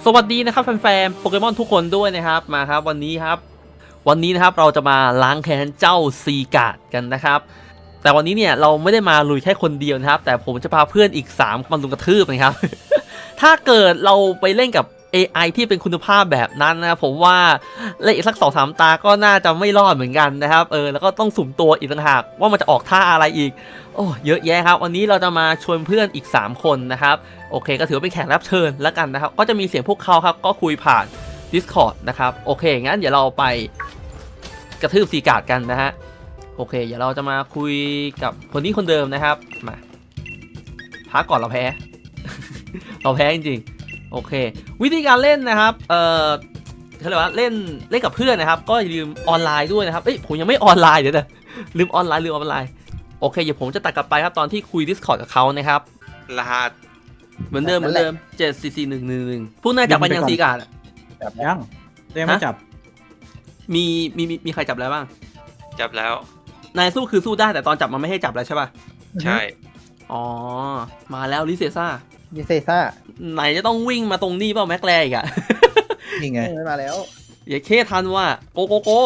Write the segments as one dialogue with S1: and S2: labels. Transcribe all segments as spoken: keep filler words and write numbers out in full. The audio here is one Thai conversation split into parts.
S1: สวัสดีนะครับแฟนๆโปเกมอนทุกคนด้วยนะครับมาครับวันนี้ครับวันนี้นะครับเราจะมาล้างแค้นเจ้าซีการ์ดกันนะครับแต่วันนี้เนี่ยเราไม่ได้มาลุยแค่คนเดียวนะครับแต่ผมจะพาเพื่อนอีกสามมาลุมกระทืบนะครับ ถ้าเกิดเราไปเล่นกับ เอ ไอ ที่เป็นคุณภาพแบบนั้นนะผมว่าเล่นอีกสัก สองสาม ตาก็น่าจะไม่รอดเหมือนกันนะครับเออแล้วก็ต้องสุ่มตัวอีกต่างหากว่ามันจะออกท่าอะไรอีกโอ้เยอะแยะครับวันนี้เราจะมาชวนเพื่อนอีกสามคนนะครับโอเคก็ถือว่าเป็นแขกรับเชิญแล้วกันนะครับก็จะมีเสียงพวกเขาครับก็คุยผ่าน Discord นะครับโอเคงั้นเดี๋ยวเราไปกระทืบซีการ์ดกันนะฮะโอเคเดี๋ยวเราจะมาคุยกับคนนี้คนเดิมนะครับมาพักก่อนเราแพ้ เราแพ้จริงๆโอเควิธีการเล่นนะครับเอ่อเขาเรียกว่าเล่นเล่นกับเพื่อนนะครับก็อย่าลืมออนไลน์ด้วยนะครับเอ้ยผมยังไม่ออนไลน์เดี๋ยวนะลืมออนไลน์ลืมออนไลน์โอเคเดี๋ยวผมจะตัดกลับไปครับตอนที่คุย Discord กับเขานะครับ
S2: รหัส
S1: เหมือนเดิมเหมือนเดิมเจ็ด สี่ สี่ หนึ่ง หนึ่ง หนึ่งพวกนายจับไปยังซีการ์ด
S3: จับยังยังไม่จับ
S1: มีมีมีมีใครจับแล้วบ้าง
S2: จับแล้ว
S1: นายสู้คือสู้ได้แต่ตอนจับมันไม่ให้จับแล้วใช่ป่ะ
S2: ใช่
S1: อ๋อมาแล้วลิเซซ่า
S3: ลิเซซ่า
S1: ไหนจะต้องวิ่งมาตรงนี้เปล่าแม็กแรอีกอะ
S3: นี่ไงมาแล้ว
S1: อย่าเคทันว่าโกโกโก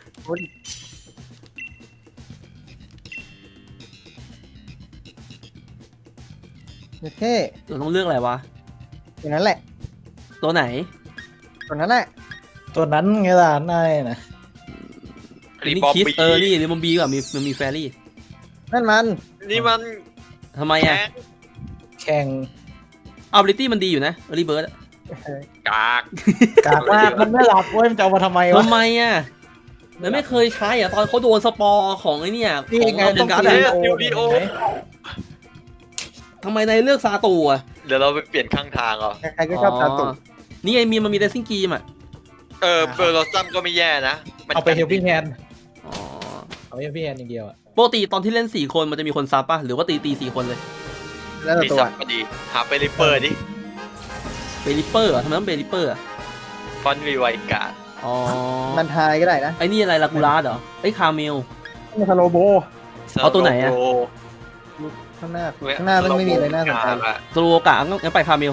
S3: โอเค
S1: เราต้องเลือกอะไรวะ
S3: ตัวนั้นแหละ
S1: ตัวไหน
S3: ตัวนั้นแหละตัวนั้นไงล่ะนายนะ
S1: นี่คิสเออนี่นี่มันบีกว่ามีมันมีแฟรี่
S3: นั่นมัน
S2: นี่มัน
S1: ทำไมอะ
S3: แข่ง
S1: อัลบิลิตี้มันดีอยู่นะรีเบิร์ด
S2: กาก
S3: กากมากมันไม่หลับเว้ยมันจะเอามาทำไมวะ
S1: ทำไมอะมันไม่เคยใช้อะตอนเขาโดนสปอร์ของไอ้นี่
S3: ของ
S1: เรา
S3: ต้องการ
S2: ดิโอ
S1: ทำไมนายเลือกซาตูอะ
S2: เดี๋ยวเราไปเปลี่ยนข้างทางอ่ะ
S3: ใครก็ชอบซาตู
S1: นี่ไงมีมันมีเดซิ่งกีมอะ
S2: เออเบอร์โรซัมก็ไม่แย่นะ
S3: เอาไปเฮลปิ้งแฮนด์อ๋อเอาไปเฮลปิ้งแฮนด์อย่างเดียวอะ
S1: ปกติตอนที่เล่นสี่คนมันจะมีคนซับป่ะหรือว่าตีตีสี่คนเลย
S3: แล้ว
S2: มี
S3: ตัว
S2: ซับพอดีหาไปริปเปอร์ดิ
S1: เบลิเปอร์เหรอทำไมต้องเบลิเปอร์อะ
S2: ฟอนวีไวการ์ด
S1: อ๋อ
S3: มันทายก็ได้นะ
S1: ไอ้นี่อะไรลากูราสเหรอไอ้คาเมล
S3: นี่คาโลโบ
S1: เอาตัวไหนอะ
S3: ข้างหน้าข้างหน้ามันไม่มีอะไรน่าสนใจ
S1: โซโลกะงั้นไปคาเมล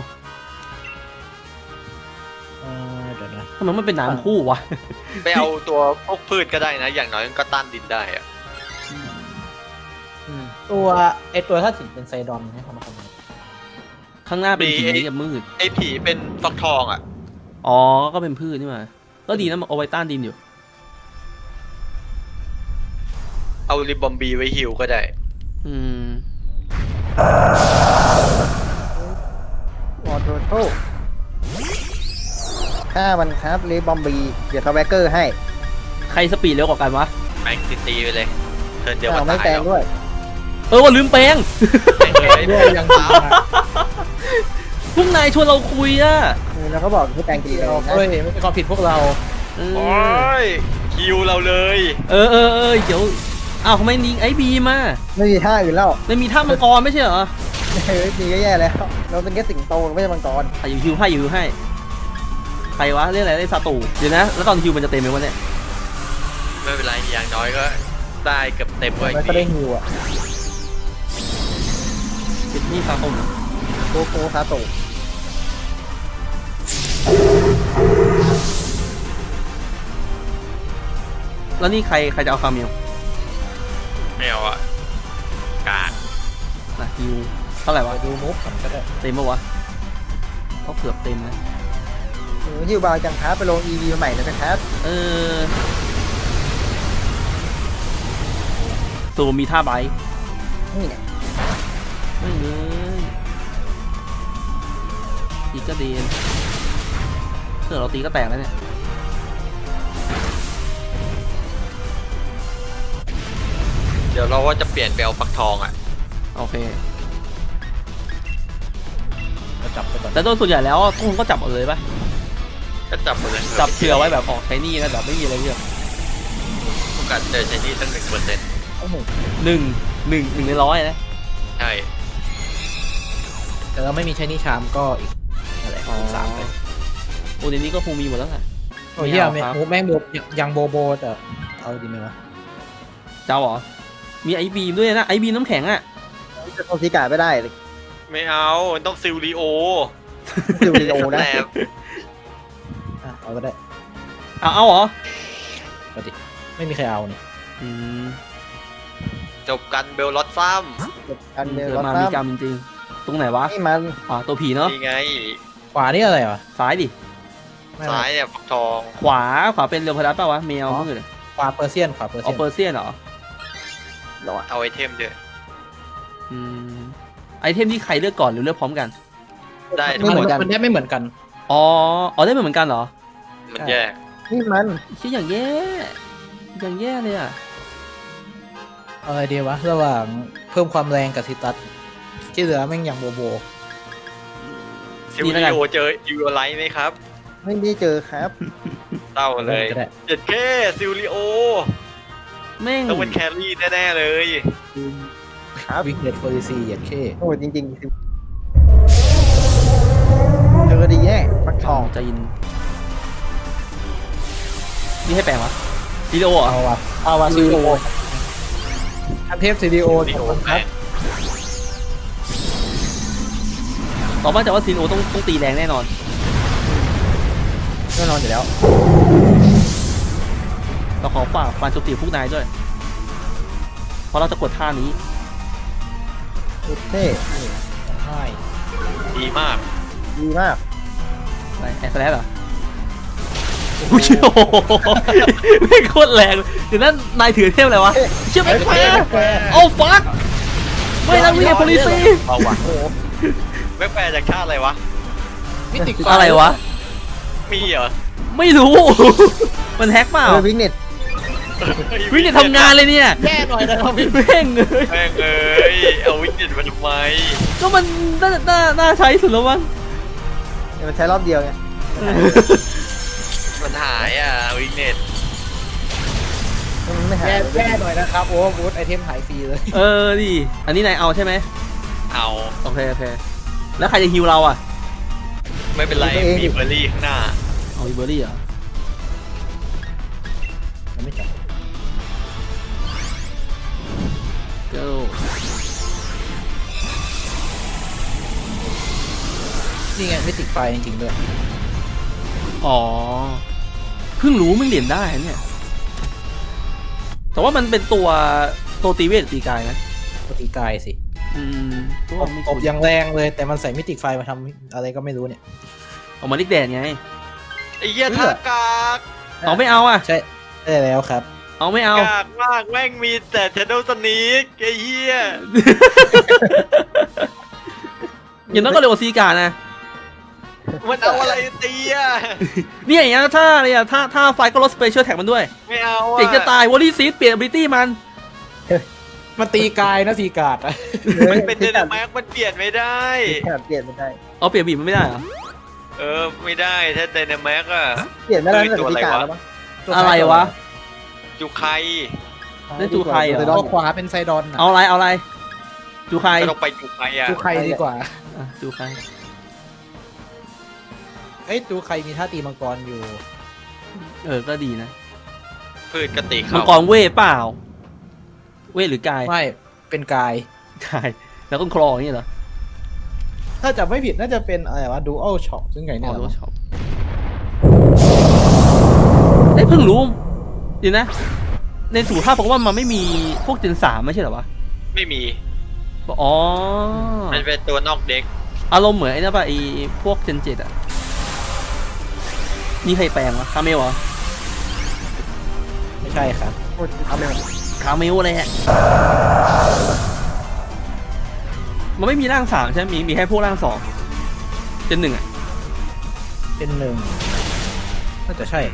S1: ทำไมมันเป็นน้ำคู่วะ
S2: ไปเอาตัวพวกพืชก็ได้นะอย่างน้อยก็ต้านดินได้อะ
S3: ตัวไอตัวถ้าถึงเป็นไซดอนให้เขามาทำ
S1: ข้างหน้าเป็นผีกับมืด
S2: ไอผีเป็นฟักทองอ่ะ
S1: อ๋อก็เป็นพืชนี่มาก็ดีนะเอาไว้ต้านดินอยู่
S2: เอาริบอมบีไว้ฮิวก็ได้
S1: อืม
S3: วอเตอร์โต้ฆ่ามันครับริบอมบีเดี๋ยวสแวกเกอร์ให้
S1: ใครสปีดเร็วกว่ากันวะ
S2: แมงตีตีไปเลยเทิร์นเดียว
S3: ไม่แปลงด้วย
S1: เออว่าลืมแปลง
S3: ด้วยยังตาม
S1: พวกนายชวนเราคุยอะ
S3: แล้วเขาบอกให้แปลงกี่เราเฮ้ยไม่เป็นความผิดพวกเรา
S2: โอ้ยคิวเราเลย
S1: เออเออเออเดี๋ยวอ้าวทำไมนิงไอบีมา
S3: ไม่มีท่าอื่นแล้ว
S1: ไม่มีท่ามังกรไม่ใช่เหรอ
S3: เฮ้ยมีก็แย่แล้วเราเป็นแค่สิงโตไม่ใช่มังกร
S1: อ่ะอยู่ฮิวให้อยู่ฮิวให้ใครวะเรียกอะไรได้ซาตูเดี๋ยวนะแล้วตอนฮิวมันจะเต็มไหมวะเนี่ย
S2: ไม่เป็นไรอย่างน้อยก็ได้เกือบเต็มเลย
S3: ก็ได้ฮิวอ่ะ
S1: เป็นนี่ซาตู
S3: โกโก้ซาตู
S1: แล้วนี่ใครใครจะเอาคาเมล
S2: ไม่เอาอะกาก
S1: นะฮิวเท่าไหร่วะ
S3: ดูมุกก่อนก็ได้
S1: เต็มปะวะเขาเกือบเต็มนะ
S3: ฮิวบาจังครับไปลง อี วี ใหม่เลยนะครับ
S1: เออตัวมีท่าไบ
S3: นี่เนี่ย
S1: ไม่เลยอีกก็เดนเออเราตีก็แตกแล้วเนี่ย
S2: เดี๋ยวเราว่าจะเปลี่ยนไปเอาฟักทองอ่ะ
S1: โอเค
S3: จับไปก่อน
S1: แต่โดยส่วนใหญ่แล้วทุกคนก็จับหมดเลยป่ะ
S2: ก็จับหมดเลย
S1: จับเผื่อไว้แบบออกใช้นี่นะแบบไม่มีอะไรเยอะ
S2: โอกาสเจอใช้นี่ตั้งหนึ่งเปอร์เซ็นต์
S1: หนึ่งหนึ่งหนึ่งในร้อยนะ
S2: ใช่
S3: แต่เราไม่มีใช้นี่ชามก็อีกอะไรสามเลย
S1: โอ้เดี๋ยวนี้ก็คงมีหมดแล้วไง
S3: โอ้ยเฮียแม่งโบยังโบโบแต่เอาดีไหมวะ
S1: เจ้าเหรอมีไอบีมด้วยนะไอบีมน้ำแข็งอ่ะ
S3: จะโทรซิกาไม่ได้เลย
S2: ไม่เอาต้องซิลลีโอ
S3: ซิลลีโอนะเอาก็ได้
S1: เอาเอาเหรอ
S3: ปกติไม่มีใครเอานี่
S1: อืม
S2: จบกันเบลลอตซัม
S4: อันเดียว
S1: เกิด
S4: รถ
S1: มา
S4: ซ้
S1: มีกรรมจริงๆตรงไหนวะ
S4: ำนี่มัน
S1: อ่าตัวผีเนาะ
S2: นี่ไง
S3: ขวานี่อะไรวะ
S1: ซ้ายดิ
S3: ไม่
S2: ซ้ายเนี่ยฟักทอง
S1: ขวาขวาเป็นเรือพลัสป่าวะแมวมืด
S3: ขวาเปอร์เซียนขวาเปอร์
S1: เอา
S3: เซียน
S1: เปอร์เซียนเหรอ
S2: เอาไอเทมด้วย
S1: อืมไอเทมที่ใครเลือกก่อนหรือเลือกพร้อมกัน
S2: ได้
S3: ไม่เหมือนกันมันได้ไม่เหมือนกัน
S1: อ๋ออ๋อได้เหมือนกันเหรอ
S2: มันแยก
S4: นี่มัน
S1: คิดอย่างแย่อย่างแย่เลยอ่ะ
S3: เอาอะไรดีวะระหว่างเพิ่มความแรงกับซิตัสที่เหลือแม่งอย่างโบโบ
S2: ซิลลิโอเจอยูไลท์ไหมครับ
S4: ไม่ได้เจอครับ
S2: เต้าเลย
S3: ก็ได้
S2: เจ็ดแค่ซิลลิโอ
S1: แม่ง
S2: ต้องเป็นแครี่แน่ๆเลย
S4: ครับ
S3: วิกเนตโฟลิซีเหยียดเข้
S4: โอ้จริงๆเจอดีแย่ฟักทอง
S1: จะยินนี่ให้แปลงวะวิดีโอเหรอ
S3: เอาวะเอาวะซีดีโออันเทพซีดีโอ
S2: ซิลลิโอ
S3: ค
S2: แป
S3: รับ
S2: ด
S1: ต่อมาแต่ว่าซีนโอต้องต้องตีแรงแน่นอน
S3: แน่นอนอยู่แล้ว
S1: เราขอฝากฟันโจมตีพวกนายด้วย เพราะเราจะกดท่านี้
S4: เท่
S3: ใช่
S2: ดีมาก
S4: ดีมาก
S1: อะไรแอสแลสเหรอโอ้โหไม่โคตรแรงเดี๋ยวนั้นนายถือเทพอะไรวะ เชื่อไหมแควโอ้ฟักไม่นะวิ่งโพลิซี
S2: เอาวะแบ็คแปร์จากชาติอะไรวะ
S3: มิติ
S1: อะไรวะ
S2: มีเหรอ
S1: ไม่รู้ มันแฮกเปล่า
S4: เออวิกเน็ต
S1: วิ่งเนี่ยทำงานเลยเนี่ย
S3: แย่หน่อยนะครับพี่
S1: แม่งเลย
S2: แม่งเอ้ยเอาวิกเน็ตมาทำไม
S1: ก็มันน่าน่าน่าใช้สุดแล้วมั้ง
S4: เนี่ยมันใช้รอบเดียวไง
S2: มันหายอ่ะวิกเน็ต
S4: มันไม่หาย
S3: แย่แย่หน่อยนะครับโอ้บูธไอเทมหายฟรีเลย
S1: เออดิอันนี้นายเอาใช่ไหม
S2: เอา
S1: โอเคโอเคแล้วใครจะฮิวเราอ่ะ
S2: ไม่เป็นไรมีเบอร์รี่ข้างหน้า
S1: เอาอีเบอร์รี่เหรอ
S3: มันไม่จับ
S1: เจ้า
S3: นี่ไงมิติไฟจริงๆด้วย
S1: อ๋อเพิ่งรู้ไม่งเหรียญได้เนี่ยแต่ว่ามันเป็นตัวตัวตีเวทตีกายนะ
S3: ปกติกายสิ
S1: อืมตัว
S3: อบ
S1: ไม่
S3: อ
S1: คุ้
S3: บ
S1: น
S3: อย่างแรงเลยแต่มันใส่มิติไฟมาทำอะไรก็ไม่รู้เนี่ย
S1: ออกมาลิกแดนไง
S2: ไอ้เหี้ยท่ากาก
S1: เอาไม่เอาอ่ะ
S3: ใช่ได้แล้วครับ
S1: เอาไม่เอา
S2: กากมากแม่งมีแต่เทนโดสนีกไอ้เหี้ย
S1: อย่างนั้นก็เร็วกว่าซีการ์นะ
S2: มันเอาอะไรตีอ่ะ
S1: เนี่ยอย่างนี้นถ้าอะไรอ่ะถ้าถ้าไฟก็ลดสเปเชียลแท็กมันด้วย
S2: ไม่เอาอ่ะ
S1: เจ๋งจะตายวอลลี่ซีดเปลี่ยน ability มัน
S3: มันตีกายนะสีกาดอะ
S2: มันเป็นเดนมาร์กมันเปลี่ยนไม่ได้
S4: ขนาดเปลี่ยนไม่ได้
S1: เอาเปลี่ยนบีบมันไม่ได้เหรอ
S2: เออไม่ได้ถ้าเดนมาร์กอ่ะ
S4: เปลี่ยนไม่ได้
S2: เฮ้ย
S4: ตั้งแต่
S2: ตัว
S4: พิ
S2: อะไร
S4: การ
S2: วะ
S4: แล้วมั้ง
S1: อะไรวะ
S2: จูไค
S1: นั่นจูไคเหรอ
S4: ไซด
S3: ตั
S4: อน
S3: วขวาเป็นไซดอนอะ
S1: เอาอะไรเอาอะไรจูใคร
S2: ก็ต้องไปจูไคอ่ะ
S3: จูไคดีกว่า
S1: อ่ะจูใคร
S3: เอ้ยจูไคมีท่าตีมังกรอยู่
S1: เออก็ดีนะ
S2: พืชกติ
S1: มัง
S2: เขา
S1: กรเวทเปล่า เวทหรือกาย
S3: ไม่เป็นกาย
S1: กายแล้วก็คลออย่างนี้เหรอ
S3: ถ้าจะไม่ผิดน่าจะเป็นอะไรวะดูอัลช็อปซึ่งไง
S1: อ๋
S3: เนี่
S1: อย
S3: เหร
S1: รู้
S3: อ
S1: ชอบเอ้ยเพิ่งรู้เดี๋ยวนะ ในสูตรภาพผมว่ามันไม่มีพวกเจนสามไม่ใช่เหรอวะ
S2: ไม่มี
S1: อ๋อ
S2: มันเป็นตัวนอกเด็ก
S1: อารมณ์เหมือนไอ้นั่นป่ะไอ้พวกเจนเจ็ดอะนี่ใครแปลงวะคาเมลเหรอ
S3: ไม่ใช่ครับ
S4: โอ้ยเอาไปหมด
S1: คาเมลอะไรฮะมันไม่มีร่างสามใช่ไหมมีมีแค่พวกร่างสองเจนหนึ่งอะ
S3: เป็นหนึ่งน่าจะใช่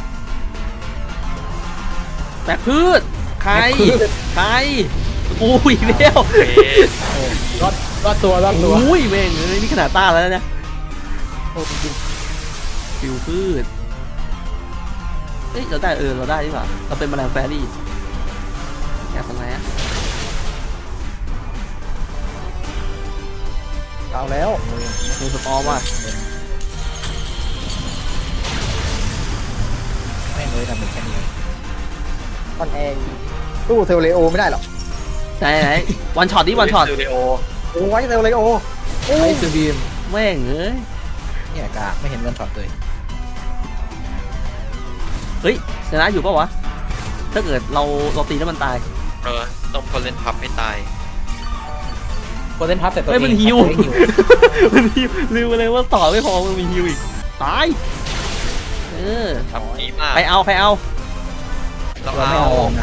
S1: แบกพืชใครใครอุ้ยเร็ว
S2: เอ๊ะ
S3: โอ้รอดรอดตัวรอดตัว
S1: อุ้ยแม่งเลยนี่ขนาดต้าแล้วนะ
S3: โอ้จริง
S1: ฟิวพืชเอ้ยเราได้เออเราได้ดีกว่าเราเป็นแมลงแฟรี่อยากทำไงอะ
S4: เอาแล้ว
S1: มือสปอร์ว่ะ
S3: ๆแม่งเลยทำเป็นแค่นี้
S4: ออนแอร์ตู้เซลเลโอไม่ได้หรอก
S1: ไหนไหนวันช็อตดิวันช็อต
S2: สตูดิโอ
S4: โอ้ยเซลเลโอโอ้
S3: ไอ้
S4: ย
S3: ซูบีม
S1: แม่งเอ้ย
S3: เนี่ยกากไม่เห็นวันช็อตเลย
S1: เฮ้ยชนะอยู่ปะวะถ้าเกิดเราเราตีแล้วมันตาย
S2: เออต้องคนเล่นพับให้ตาย
S3: โคเดนพับแต่ตัว
S1: เฮ้ย
S3: เอง
S1: มันฮิว
S3: ตัวเองฮิว
S1: มันฮิวลืมไปเลยว่าต่อไม่พอมันมีฮิวอีกตายเออ
S2: ทำดีมาก
S1: ใครเอาใครเอา
S2: เรา
S3: เราไม่
S2: เอา
S3: เอานะ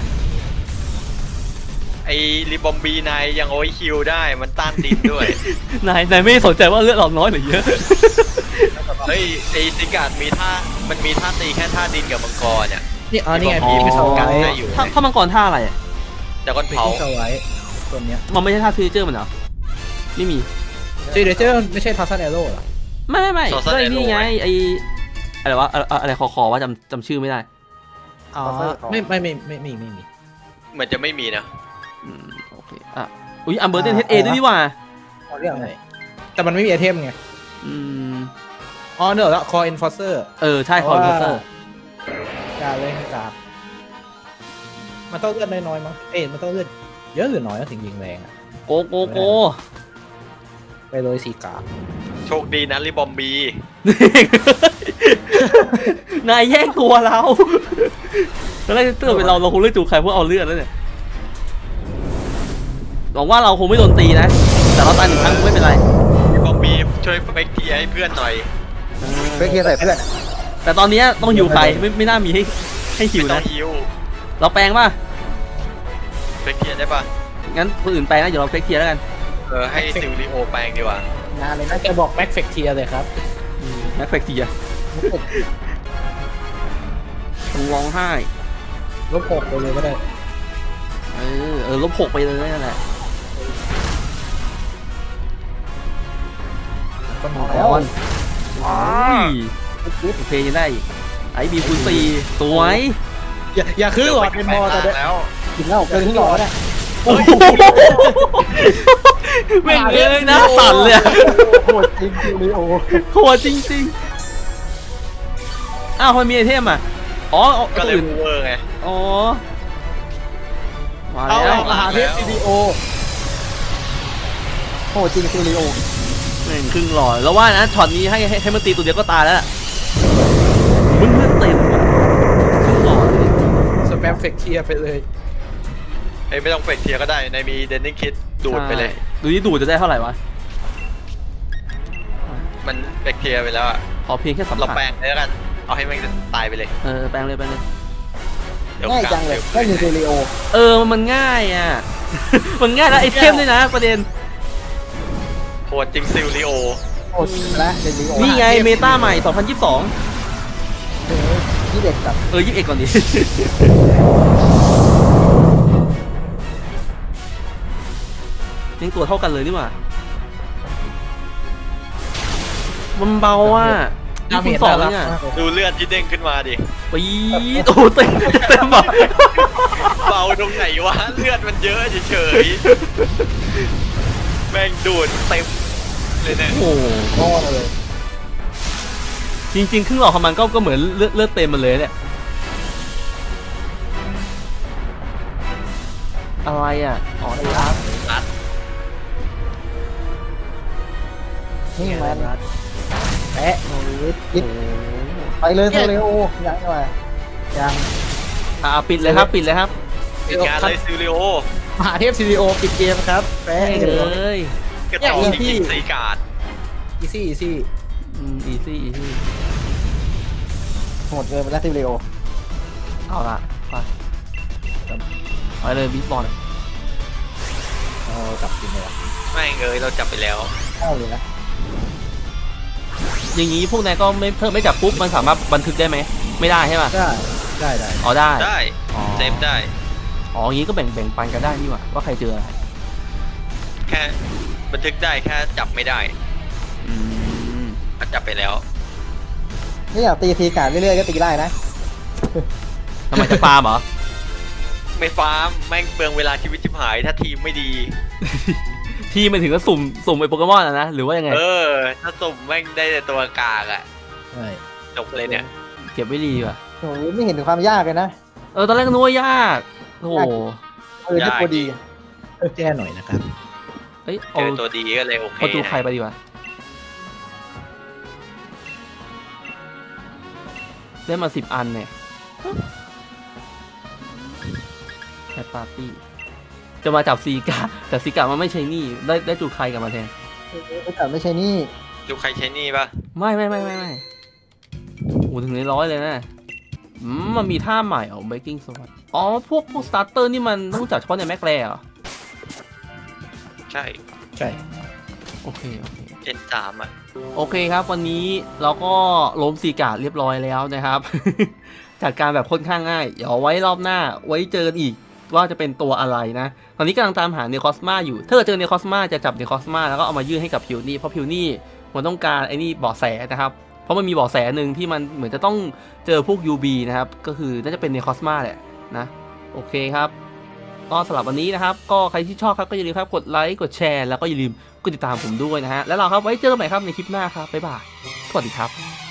S2: ไอ้ริบอมบีนายยังโอ้ยคิวได้มันต้านดินด้วย
S1: นายนายไม่สนใจว่าเลือดเราน้อยหรือเยอะ
S2: เฮ้ยไอ้ซิกาดมีท่ามันมีท่าตีแค่ท่าดินกับมังกรเนี่ย
S3: นี่อ๋อนี่ไง
S1: อ๋อ
S3: พี่ไม่สไว้
S2: ได้อยู่
S1: ถ้าถ้ามังกรท่าอะไรอะ
S2: แต่ก้อน
S3: พี่
S2: เผา
S3: ไม่สไว้ตัวเนี้ย
S1: มันไม่ใช่ท่าฟิวเจอร์มันเหรอไม่มี
S3: ซีเดเจอร์ไม่ใช่พาซันเอโร่หรอ
S1: ไม่ไม่ไม่ก็ไอ้นี่ไงไออะไรวะอะไรอะไรคอคอว่าจำจำชื่อไม่ได้
S3: อ๋อไม่ไม่ไม่ไม่ไม่ไม่มี
S2: เหมือนจะไม่มีนะ
S1: อืมโอเคอ่ะอุ้ยอัมเบอร์เดนเฮดเอด้วยนี่หว่า
S4: เอาเรื่องอะไร
S3: แต่มันไม่มีไอเทมไง
S1: อืม
S3: อ๋อเนอะแล้วคอเอนฟอร์เซอร์
S1: เออใช่คอร์เตอร์
S3: กาเลยกามันต้องเลือดน้อยๆมั้งเอ้ยมันต้องเลือดเยอะหรือน้อยนะถึงยิงแรงอะ
S1: โกโกโก
S3: ไปเลยสีกา
S2: โชคดีนะริบอมบี
S1: นายแย่งตัวเราตอนแรกเตือนเป็นเราเราคงเลือกจูใครเพื่อเอาเลือดแล้วเนี่ยหวังว่าเราคงไม่โดนตีนะ แต่เราตายหนึ่งครั้งไม่เป็นไร
S2: ริบอมบีช่วยเฟกทีให้เพื่อนหน่อย
S4: เฟกเทียร์ใส่เพื่อน
S1: แต่ตอนนี้ต้องฮิวใครไม่ไม่น่ามีให้ให้ฮิว
S2: ไม่ต้อ
S1: นะ
S2: งฮิว
S1: เราแปลงป่ะ
S2: เฟกทีได้ปะ
S1: งั้นคนอื่นแปลงนะเดี๋ยวเราเฟกเทียร์แล้วกัน
S2: เออให้ซิลลิโอแปลงดีกว่า
S4: นานเลยนะ
S3: น่าจะบอกแม็กเฟกเทียเลยครับ
S1: แม็กเฟกเทียร์ต้องร้องไห้
S3: ลบหกไปเลยก็ได้
S1: เออเออลบหกไปเลยนั่นแหละ
S3: ก็มี
S1: ก่อนโอ้ยโอเคยังได้อีกไอบีคูณสี่สวย
S3: อย่าอย่าคือหลอดเป็นมอแต่เด็
S2: แล้ว
S4: กินแล้วเกินที่หล่อเนี่ย
S1: แม่งเลยนะสั่นเลยอะ
S4: โหดจริงจริงเลยโอ้
S1: โหดจริงๆอ้าวมันมีไอเทมอ่ะอ๋อเอา
S2: ก็
S1: ตัว
S2: เลย
S1: อื่น
S2: เวอร์ไง
S1: อ๋อมา
S3: เอา
S1: แล้ว
S3: มหาเทพซีดีโอ
S4: โหดจริงซิลิโอ
S1: แม่งครึ่งหลอดแล้วว่านะช็อตนี้ให้ให้ให้มันตีตัวเดียวก็ตายแล้วล่ะมึงเลือดเต็มอะครึ่งหลอดเลย
S3: สแปมเฟกเทียไปเลย
S2: เฮ้ยไม่ต้องเฟกเทียก็ได้ในมีเดนนิคิดดูดไปเลย
S1: ใช่ดูนี่ดูดจะได้เท่าไหร่วะ
S2: มันเฟกเทียไปแล้วอะ
S1: ขอเพียงแค่สัม
S2: เรา
S1: ผัส
S2: แปลงเลยแล้วกัน เอาให้มันตายไปเลย
S1: เออแปลงเลยแปลงเลย
S2: เดี๋ยว
S4: ง่าย
S2: กลา
S4: จังเลย
S2: ดี๋ว
S4: แค่ยิงซิลิโอ
S1: เออมันง่ายอ่ะ มันง่ายแล้วไอเทมด้วยนะประเด็น
S2: โหดจริงซิลลิโอ
S4: โหดนะซิลิโอ
S1: นี่ไงเมตาใหม่สองพันยี่สิบสอง
S4: ที่เด็กกับ
S1: เออยี่สิบเอ็ดก่อนดิ ยังตัวเท่ากันเลยนี่หว่ามันเบาอ่ะนี่คุณสองเนี่ย
S2: ดูเลือดที่เด้งขึ้นมาดิ
S1: ปี๊ดโอ้โหเต็มเต็มแบบ
S2: เบาตรงไหนวะ เลือดมันเยอะเฉยๆ แม่งดูดเต็มเลยเนี่ย
S1: โอ้โห
S4: ก้อนเลย
S1: จริงๆครึ่งหลอดของมันก็ก็เหมือนเลือดเลือดเต็มมันเลยเนี่ยอะไรอ่ะอ๋อไอ้รัก
S2: รัด
S4: นี่มัน
S3: แปะ
S4: โอ้ยกินไปเลยซิลิโอยังไงยัง
S1: อ่าปิดเลยครับปิดเลยครับ
S2: ปิดงานเลยซิลลิโอ
S3: มหาเทพซีดีโอปิดเกมครับแปะ
S1: เอ้ย
S2: กระต่อจริงๆสีกาด
S3: อีซี่อีซี่
S1: อืมอีซี่อีซี่
S4: โหดเกินไปแล้วซิลิโอ
S1: เอาละไปไปเลยบิ๊กบอล
S3: เอากลับกินเลยวะ
S2: แม่งเอ้ยเราจับไปแล้ว
S4: เข้าเลยนะ
S1: อย่างนี้พวกนายก็ไม่เพิ่มไม่จับปุ๊บมันสามารถบันทึกได้ไหมไม่ได้ใช่ป่ะ
S3: ได้ได้ได้
S1: อ๋อได้
S2: ได้
S1: อ๋อ
S2: เซฟได้
S1: อ๋ออย่างนี้ก็แบ่งแบ่งปันกันได้นี่หว่าว่าใครเจออะไร
S2: แค่บันทึกได้แค่จับไม่ได้
S1: อืม
S2: มันจับไปแล้ว
S4: นี่อยากตีทีการเรื่อยๆก็ตีได้นะ
S1: ทำไมจะฟาร์มเหรอ
S2: ไม่ฟาร์มแม่งเปลืองเวลาชีวิตชิบหายถ้าทีมไม่ดี
S1: ที่มันถึงก็สุ่มสุ่มไอ้โปเกมอนอะนะหรือว่ายังไง
S2: เออ ถ้าสุ่มแม่งได้แต่ตัวกากอะ
S3: ใช่
S2: จบเลยเนี่ย
S1: เก็บไว้ดีว่ะ
S4: โอ้ยไม่เห็นถึงความยากเลยนะ
S1: เออตอนแรกก็นึกว่ายากโอ้โห
S4: เออนี่พอดี
S3: แก้หน่อยนะครับ
S1: เอ้ย
S2: เจ
S1: เอา
S2: อตัวดีก็เลยโอเค
S1: เอาดูใคร
S2: นะ
S1: ไปดีกว่าได้มาสิบอันเนี่ยแคทปาร์ตี้จะมาจับซีกาแต่ซีกามันไม่ใช่นี่ได้ได้จูใครกับมาแทน
S4: แต่ไม่ใช่นี่
S2: ดูใครใช้นี่ปะ
S1: ไม่ไม่ไม่ไม่ไม่โอ้ถึงในร้อยเลยนะอืมมันมีท่าใหม่เหรอ breaking sword อ๋อพวกพวกสตาร์เตอร์นี่มันต้องจับเฉพาะในแม็กแรเหรอ
S2: ใช่
S3: ใช่
S1: โอเคโอเค
S2: เอ็นสามอ่ะ
S1: โอเคครับวันนี้เราก็ล้มซีการ์ดเรียบร้อยแล้วนะครับ จัดการแบบค่อนข้างง่ายเดี๋ยวเอาไว้รอบหน้าไว้เจอกันอีกว่าจะเป็นตัวอะไรนะ ตอนนี้กำลังตามหาเนคอสมาอยู่ถ้าเกิดเจอเนคอสมาจะจับเนคอสมาแล้วก็เอามายื่นให้กับพิวนี่เพราะพิวนี่มันต้องการไอ้นี่เบาะแสนะครับเพราะมันมีเบาะแสหนึ่งที่มันเหมือนจะต้องเจอพวก ยู บี นะครับก็คือน่าจะเป็นเนคอสมาแหละนะโอเคครับก็สำหรับวันนี้นะครับก็ใครที่ชอบครับก็อย่าลืมครับกดไลค์กดแชร์แล้วก็อย่าลืมกดติดตามผมด้วยนะฮะแล้วเราครับไว้เจอกันใหม่ครับในคลิปหน้าครับบ๊ายบายสวัสดีครับ